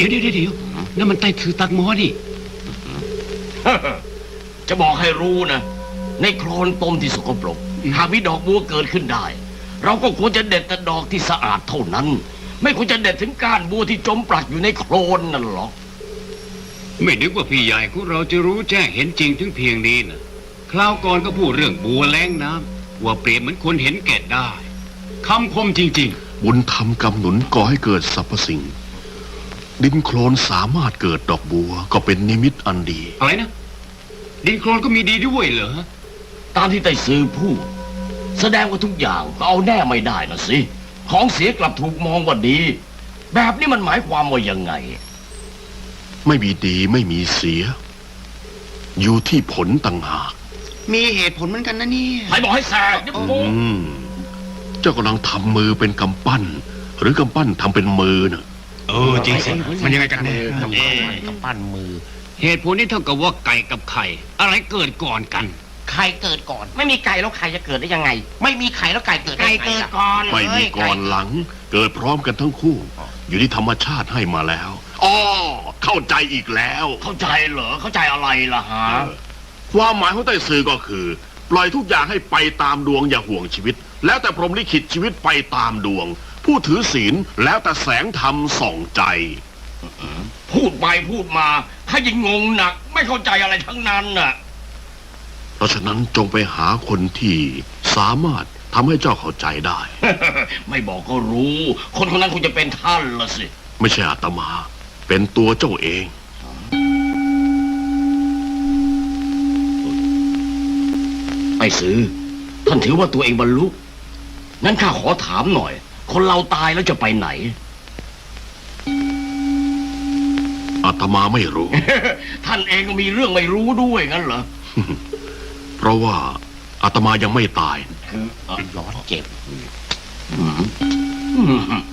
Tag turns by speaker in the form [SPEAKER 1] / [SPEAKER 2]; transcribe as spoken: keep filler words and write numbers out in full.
[SPEAKER 1] ดี๋ยวเดี๋ยวเดี๋ยวนั่นมันไต้ถือตักหมอนี่
[SPEAKER 2] จะบอกให้รู้นะในโคลนตมที่สกปรกหากมีดอกบัวเกิดขึ้นได้ เราก็ควรจะเด็ดแต่ดอกที่สะอาดเท่านั้น ไม่ควรจะเด็ดถึงก้านบัวที่จมปลักอยู่ในโคลนนั่นหรอก
[SPEAKER 1] ไม่นึกว่าพี่ใหญ่ของเราจะรู้แจ้งเห็นจริงถึงเพียงนี้นะคราวก่อนก็พูดเรื่องบัวแล้งน้ำว่าเปรียบเหมือนคนเห็นแก่ได้คำคมจริงๆ
[SPEAKER 3] บุญธรรมกำหนุนก่อให้เกิดสรรพสิ่งดินโคลนสามารถเกิดดอกบัวก็เป็นนิมิตอันดี
[SPEAKER 1] อะไรนะดินโคลนก็มีดีด้วยเหรอ
[SPEAKER 2] ตามที่ไต้ซือพูดแสดงว่าทุกอย่างก็เอาแน่ไม่ได้นะสิของเสียกลับถูกมองว่าดีแบบนี้มันหมายความว่ายังไง
[SPEAKER 3] ไม่มีดีไม่มีเสียอยู่ที่ผลต่างหาก
[SPEAKER 4] มีเหตุผลเหมือนกันนะนี่
[SPEAKER 2] ใครบอกให้แสกนี่ปู
[SPEAKER 3] เจ้ากำลังทำมือเป็นกำปั้นหรือกำปั้นทำเป็นมือน่ะ
[SPEAKER 1] เออจริงสิมันยังไงกันแน่
[SPEAKER 2] กำปั้นกำปั้นมือ
[SPEAKER 1] เหตุผลนี้เท่ากับว่าไก่กับไข่อะไรเกิดก่อนกัน
[SPEAKER 4] ไข่เกิดก่อนไม่มีไก่แล้วไข่จะเกิดได้ยังไงไม่มีไข่แล้วไก่เกิดไก่เกิดก่อน
[SPEAKER 3] ไม่มีก่อนหลังเกิดพร้อมกันทั้งคู่อยู่ที่ธรรมชาติให้มาแล้วอ๋อเข้าใจอีกแล้ว
[SPEAKER 2] เข้าใจเหรอเข้าใจอะไรล่ะฮะ
[SPEAKER 3] ความหมายของไต้ซือก็คือปล่อยทุกอย่างให้ไปตามดวงอย่าห่วงชีวิตแล้วแต่พรหมลิขิตชีวิตไปตามดวงผู้ถือศีลแล้วแต่แสงธรรมส่องใจ
[SPEAKER 2] พูดไปพูดมาข้ายิ่งงงหนักไม่เข้าใจอะไรทั้งนั้นน่ะ
[SPEAKER 3] เพราะฉะนั้นจงไปหาคนที่สามารถทำให้เจ้าเข้าใจได้
[SPEAKER 2] ไม่บอกก็รู้คนคนนั้นคงจะเป็นท่านละสิ
[SPEAKER 3] ไม่ใช่อาตมาเป็นตัวเจ้าเอง
[SPEAKER 2] ไต้ซือท่านถือว่าตัวเองบรรลุงั้นข้าขอถามหน่อยคนเราตายแล้วจะไปไหน
[SPEAKER 3] อาตมาไม่รู้
[SPEAKER 2] ท่านเองก็มีเรื่องไม่รู้ด้วยงั้นเหรอ
[SPEAKER 3] เพราะว่าอาตมายังไม่ตาย
[SPEAKER 2] คือร้อนเจ็บ